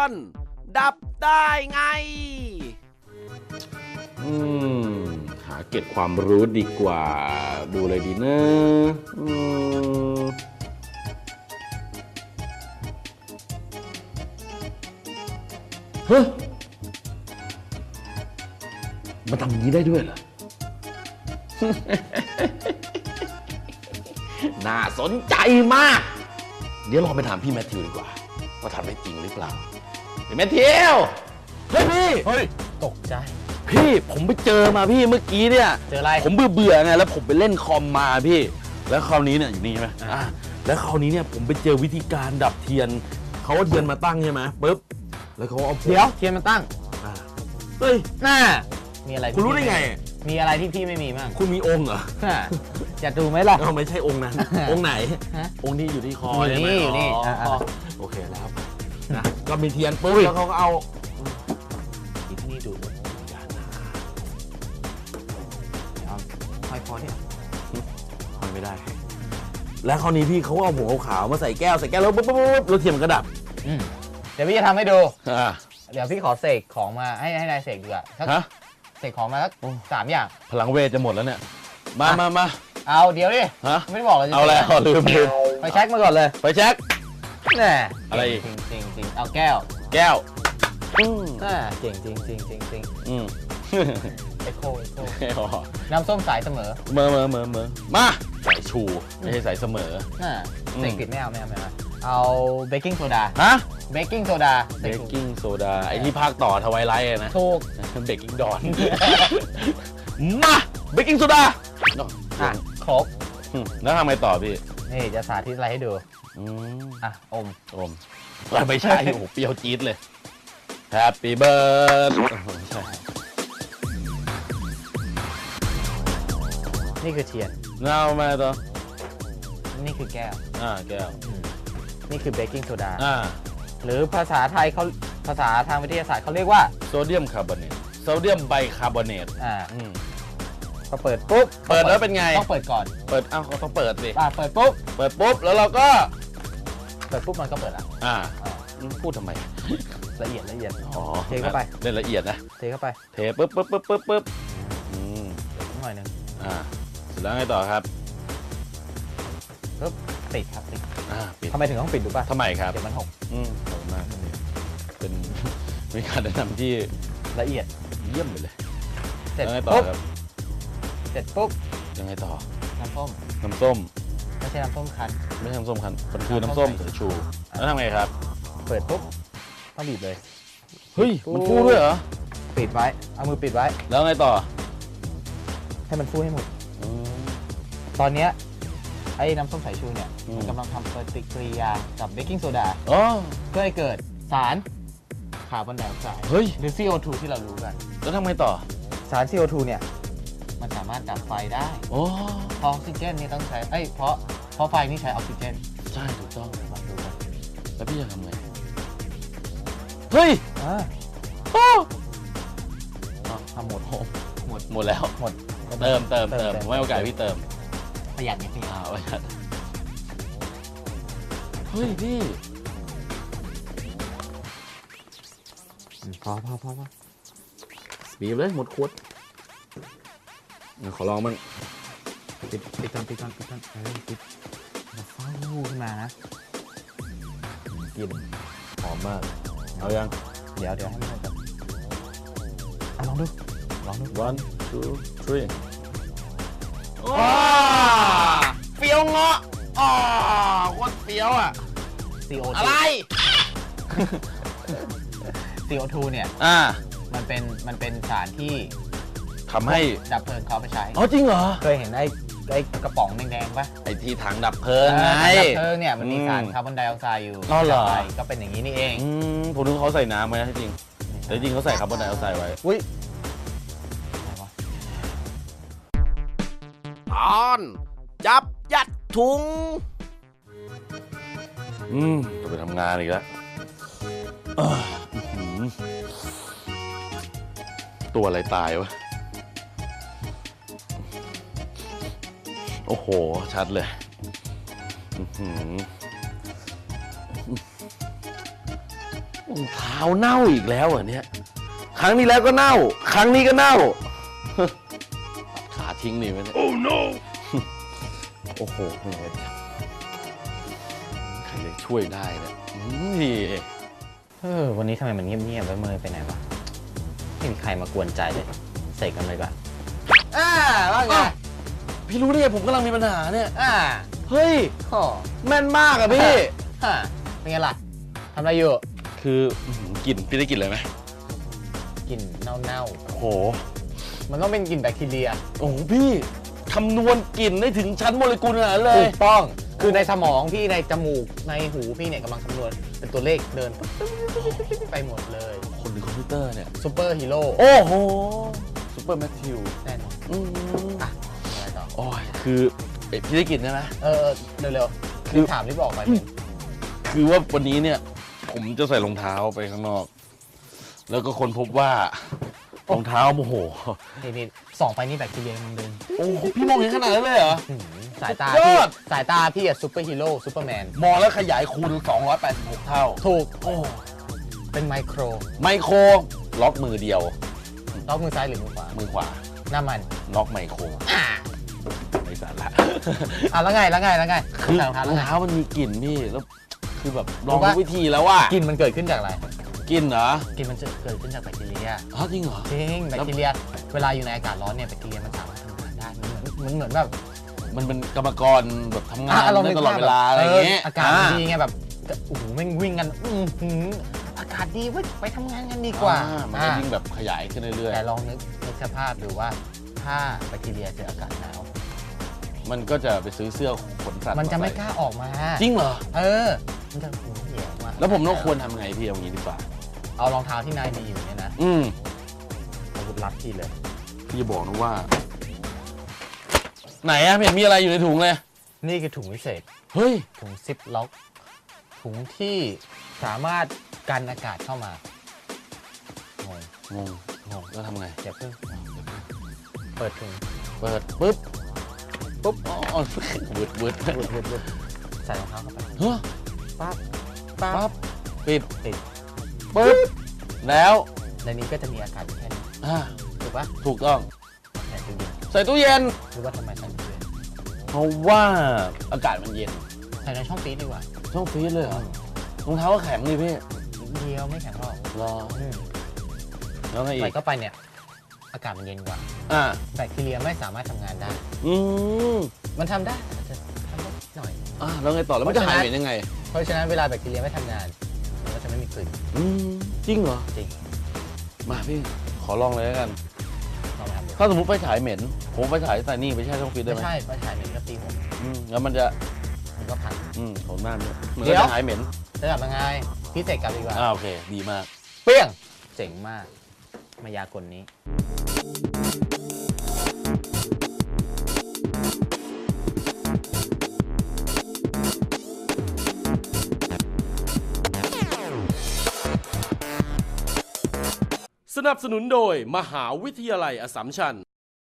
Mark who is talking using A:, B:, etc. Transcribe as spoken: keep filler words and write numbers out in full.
A: อนดับได้ไง
B: อืมหาเก็บความรู้ดีกว่าดูเลยดีนะอืมเฮ้ยมันทำอย่างนี้ได้ด้วยเหรอ น่าสนใจมากเดี๋ยวลองไปถามพี่แมทธิวดีกว่าว่าทำได้จริงหรือเปล่าพี่แมทธิวเฮ้ยพี่เฮ้ย
C: ตกใจ
B: พี่ผมไปเจอมาพี่เมื่อกี้เนี่ย
C: เจออะไร
B: ผมเบื่อเบื่อไงแล้วผมไปเล่นคอมมาพี่แล้วคราวนี้เนี่ยอยู่นี่ใช่ไหมอ่าแล้วคราวนี้เนี่ยผมไปเจอวิธีการดับเทียนเขาเอาเทียนมาตั้งใช่ไหมปุ๊บแล้วเขาเอา
C: เดี๋ยวเทียนมาตั้ง
B: อ่าเฮ้ย
C: น่ามีอะไร
B: คุณรู้ได้ไง
C: มีอะไรที่พี่ไม่มีมั่ง
B: คุณมีองค์เหรอ
C: จะดูไหมล่ะ
B: เราไม่ใช่องค์นั้นองค์ไหนองค์ที่อยู่ที่คอ
C: อยู่นี่อยู่นี่
B: โอเคแล้วนะก็มีเทียนปุ๊บแล้วเขาก็เอา
C: ที่นี่ดูห้อยคอเนี่ย
B: ห้อยไม่ได้แล้วคราวนี้พี่เขาเอาหัวขาวมาใส่แก้วใส่แก้วแล้วปุ๊บปุ๊บปุ๊บแล้วเทียนมันก็ดับ
C: เดี๋ยวพี่จะทำให้ดูเดี๋ยวพี่ขอเสกของมาให้ให้นายเสกดีกว่า
B: ฮะ
C: เสกของมาสักสามอย่าง
B: พลังเวทจะหมดแล้วเนี่ยมามามา
C: เอาเดี๋ยวดิ
B: ฮะ
C: ไม่บอกเลย
B: เอาแล้วลืมลืม
C: ไปเช็คมาก่อนเลย
B: ไปเช็ค
C: แน่
B: อะไร
C: จริงจริงจริงเอาแก้ว
B: แก้ว
C: อืมน่าเจ๋งจริงจริงจริงจริง
B: อืม
C: เอโคเอโคน้ำส้มสายเสมอ
B: เมอเมอเมอเมอมาสายชูไม่ใช่สายเสมอ
C: น่าเสกผิดไม่เอาไม่เอาไม่เอาเอาเบกกิ้งโซดา
B: ฮะ
C: เบกกิ้งโซดา
B: เบกกิ้งโซดาไอที่ภาคต่อทวายไลท์นะ
C: ถูก
B: เบกกิ้งดอนมาเบกกิ้งโซดา
C: อ่ะครบ
B: แล้วทำไงต่อพี่
C: นี่จะสาธิตอะไรให้ดูอ่ะอม
B: อมไม่ใช่โอ้เปรี้ยวจี๊ดเลย Happy birthday ใช่
C: นี่คือเทียน
B: เงามาต่อ
C: นี่คือแก้ว
B: อ่าแก้ว
C: นี่คือเบกกิ้งโซดา
B: อ่า
C: หรือภาษาไทยเขาภาษาทางวิทยาศาสตร์เขาเรียกว่า
B: โซเดียมคาร์บอเนตโซเดียมไบคาร์บอเนต
C: อ่าพอเปิดปุ๊บ
B: เปิดแล้วเป็นไง
C: ต้องเปิดก่อน
B: เปิดอ้าวเขาต้องเปิดสิ
C: อ่าเปิดปุ๊บ
B: เปิดปุ๊บแล้วเราก็
C: เปิดปุ๊บมันก็เปิดอ่ะ
B: อ่าพูดทำไม
C: ละเอียดละเอียด
B: อ๋อ
C: เทเข้าไป
B: เล่นละเอียดนะ
C: เทเข้าไป
B: เทปุ๊บปุ๊บปุ๊บปุ๊บปุ๊บอืม
C: หน่อยนึง
B: อ่าเสร็จแล้วไงต่อครับ
C: ปุ๊บปิดครับปิด
B: อ่าปิด
C: ทำไมถึงต้องปิดดูป่ะ
B: ทำไมครับ
C: เดี๋ยวมันหก
B: อืมขอบคุณมากเป็นมีการแนะนำที่
C: ละเอียด
B: เยี่ยมไปเลย
C: เสร็จ
B: ยังไงต่อครับ
C: เสร็จปุ๊บ
B: ยังไงต่อ
C: น้ำส้ม
B: น้ำส้ม
C: ไม่ใช่น้ำส้มคั้น
B: ไม่ใช่น้ำส้มคั้นมันคือน้ำส้มสายชูแล้วทำไงครับ
C: เปิดปุ๊บต้องบีบเลย
B: เฮ้ยมันฟูด้วยเหรอ
C: ปิดไว้เอามือปิดไว้
B: แล้วไงต่อ
C: ให้มันฟูให้หมดตอนเนี้ยไอ้น้ำส้มสายชูเนี่ยมันกำลังทำปฏิกิริยากับเบกกิ้งโซดาเพื่อให้เกิดสารคาร์บอนไดออกไซด์หรือ ซี โอ ทู ที่เรารู้กัน
B: แล้วทำไงต่อ
C: สาร ซี โอ ทู เนี่ยมันสามารถดับไฟได้
B: โอ้
C: เพราะออกซิเจนนี่ต้องใช้เอ้ยเพราะเพราะไฟนี่ใช้ออกซิเจน
B: ใช่ถูกต้องมาดูกันแล้วพี่จะทำไงเฮ้ย
C: อ่า
B: โอ้
C: ทำหมด
B: หมดหมดแล้ว
C: หมด
B: เติมเติมเติมไม่โอกาสพี่เติม
C: ประหยัดนิดนึง
B: อ่าประหยัดเฮ้ยพี่
C: พอพอพอพอ
B: บีบเลยหมดขวดขอลองมั่ง
C: ปิดปิดก่อนปิดก่อนปิดก่อนเออปิดแล้วฟ้าลูขึ้นมานะ
B: กลิ่นหอมมากเอายัง
C: เดี๋ยวเดี๋ยวให้มันแบบลองดูลองดู
B: one two three ว้าเฟี้ยวเงาะอ๋อโคตรเฟี้ยวอ่ะ
C: ซี โอ ทู
B: อะไร
C: ซี โอ ทู เนี่ย
B: อ่า
C: มันเป็นมันเป็นสารที่
B: ทำให้
C: ดับเพลิงเขาไปใช้
B: อ๋อจริงเหรอ
C: เคยเห็นไอ้ไอ้กระป๋องแดงๆป่ะ
B: ไอ้ที่ถังดับเพลิงไง
C: ดับเพลิงเนี่ยมันมีสารคาร์บอนไดออกไซด์อยู่
B: อ๋อเหรอ
C: ก็เป็นอย่างนี้นี่เอง
B: ผมนึกเขาใส่น้ำไว้นะจริงแต่จริงเขาใส่คาร์บอนไดออกไซด์ไว้
C: อุ้ย
A: ตอนจับยัดถุง
B: อืมจะไปทำงานอีกแล้วตัวอะไรตายวะโอ้โหชัดเลยรองเท้าเน่าอีกแล้วเหรอเนี่ยครั้งนี้แล้วก็เน่า ครั้งนี้ก็เน่า ขาทิ้งนี่ไหมเนี่ย โอ้ no โอ้โหใครจะช่วยได้เนี่ยนี่
C: เออวันนี้ทำไมมันเงียบๆไว้เมยไปไหนวะไม่มีใครมากวนใจเลยเสกกันเลยก่อนอ่าว่าไง
B: พี่รู้ได้ไงผมกำลังมีปัญหาเนี่ย
C: อ่า
B: เฮ้ย
C: โอ้
B: แม่นมากอะพี่
C: ฮะเป็นไงล่ะทำอะไรอยู่
B: คืออื้อหือกลิ่นพี่ได้กลิ่นอะไรไหม
C: กลิ่นเน่า
B: โอ้โห
C: ๆมันต้องเป็นกลิ่นแบคทีเรีย
B: โอ้โหพี่คำนวณกลิ่นได้ถึงชั้นโมเลกุลขนาดนั้นเล
C: ถู
B: ย
C: กต้องคือในสมองพี่ในจมูกในหูพี่เนี่ยกำลังคำนวณเป็นตัวเลขเดินไปหมดเลย
B: คนในคอมพิวเตอร์เนี่ย
C: ซูเปอร์ฮีโร่
B: โอ้โหซูเปอร์แมทธิว
C: แน่นอน
B: อืม
C: อ่ะอะไรต่อ
B: โอ้ยคือเอ้ยพี่ได้กลิ่นใช่ไหม
C: เออเร็วๆ
B: คื
C: คือ อถามที่บอกไปเนี่ย
B: คือว่าวันนี้เนี่ย ผมจะใส่รองเท้าไปข้างนอก แล้วก็คนพบว่ารองเท้าโอ้โห
C: นี่นี่ส่องไปนี่แบคทีเรียมันเดิน
B: โอ้โหพี่มองเห็นขนาดนั้นเลยเหรอ
C: หืมสายตา
B: สุดย
C: พี่
B: อด
C: สายตาพี่อะซูเปอร์ฮีโร่ซูเปอร์แมน
B: มองแล้วขยายคูณสองร้อยแปดสิบหกเท่า
C: ถูก
B: โอ้
C: เป็นไมโคร
B: ไมโครล็อกมือเดียว
C: ล็อกมือซ้ายหรือมือขวา
B: มือขวา
C: หน้ามัน
B: ล็อกไมโคร
C: อ่า
B: ไม่สาระ
C: อ่ะแล้วไงแล้วไงแล้วไง
B: คือ
C: ใส่รองเท้าร
B: อ
C: แล้ว
B: ง
C: ไง
B: เท้ามันมีกลิ่นพี่แล้วคือแบบล
C: รู้
B: อง
C: ปะ
B: ทุกวิธีแล้วว่าก
C: ลิ่นมันเกิดขึ้นจากอะไร
B: กลิ่นเหรอก
C: ลิ่นมันจะเกิดขึ้นจากแบคทีเรีย
B: อ๋อจริงเหรอ
C: จริงแบคทีเรีย เวลาอยู่ในอากาศร้อนเนี่ยแบคทีเรียมันสามารถทำงานได้มันเหมือนมันเหมือนแบบ
B: มันเป็นกรรมกรแบบทำงาน
C: อ่ะเรา
B: ได้
C: นึก
B: ตลอด
C: ภาพ
B: เวลาอะไรอย่างเงี้ย
C: อากาศมันดีไงแบบโอ้โหแม่งวิ่งกันอื้อหืออากาศดีเว้ยไปทำงานกันดีกว่า
B: อ่มันก็
C: อ่ะ
B: ยิ่งแบบขยายขึ้นเรื่อย
C: แต่ลองนึกนึกสภาพดูว่าถ้าแบคทีเรียเจออากาศหนาว
B: ๆมันก็จะไปซื้อเสื้อขนสัตว์
C: มันจะไม่
B: ใส่
C: กล้าออกมา
B: จริงเหรอ
C: เออ มันจะหูเหี่ยวมา
B: แล้วผมต้องควรทำไงพี่เอางี้ดีกว่า
C: เอารองเท้าที่นายมีอยู่เนี่ยนะ
B: อืม
C: อาวุธลับพี่เลย
B: พี่จะบอกนะว่า ไหนอะไม่เห็นมีอะไรอยู่ในถุงเลย
C: นี่คือถุงวิเศษ
B: เฮ้ย
C: ถุงซิปล็อก ถุงที่สามารถกันอากาศเข้ามางง
B: งงงงแล้วทำไง
C: เดี๋ยวเพิ่งเปิดถุง
B: เปิดปุ๊บปุ๊บอ๋อเวิร์ดเวิร์ด
C: วืดวืดวืดใส่รองเท้าเข้าไป
B: เฮ้ย
C: ปั๊บปั๊
B: ปั๊
C: บบ
B: ปิด
C: ติด
B: ปุ๊บแล้ว
C: ในนี้ก็จะมีอากาศอยู่แค่นี้
B: อ่า
C: ถูกปะ
B: ถูกต้อง
C: ใส่ตู้เย็น
B: ใส่ตู้เย็น
C: รู้ว่าทำไมใส่ตู้เย็น
B: เพราะว่าอากาศมันเย็น
C: ใส่ในช่องฟรีซดีกว่า
B: ช่องฟรีซเลยเหรอรองเท้าก็แข็งเลยพี่
C: เดียวไม่แข็งหรอก
B: รอ
C: อืม
B: แล้วไงอี
C: ใส่
B: ก
C: เข้าไปเนี่ย อากาศมันเย็นกว่า
B: อ่า
C: แบคทีเรียไม่สามารถทำงานได้
B: อืม
C: มันทำได้แต่จะทำได้หน่อย
B: อ่าแล้วไงต่อแล้วมันจะหายเหม็นยังไง
C: เพราะฉะนั้นเวลาแบคทีเรียไม่ทำงาน มันก็จะไม่มีกลิ่น
B: อืมจริงเหรอ
C: จริง
B: มาพี่ขอลองเลยแล้วกัน
C: ลองไปทำดู
B: ถ้าสมมติไฟฉายเหม็น ผมไฟฉายใส่นี่ไปแช่ช่องฟรีซได้
C: ไม่
B: ไหม
C: ใช่ไฟฉายเหม็นก็ตีผม
B: อืมแล้วมันจะ
C: มันก็พัง
B: อืมผมหน้าเนี่ยเหมือน
C: เดี๋
B: ก็
C: ยว
B: จะหายเหม็น
C: จะกลับยังไงพี่เสกกลับดีกว่า
B: อ่าโอเค ดีมาก
C: เปี้ยง เจ๋งมาก มายากลนี้
A: สนับสนุนโดยมหาวิทยาลัยอัสสัมชัญ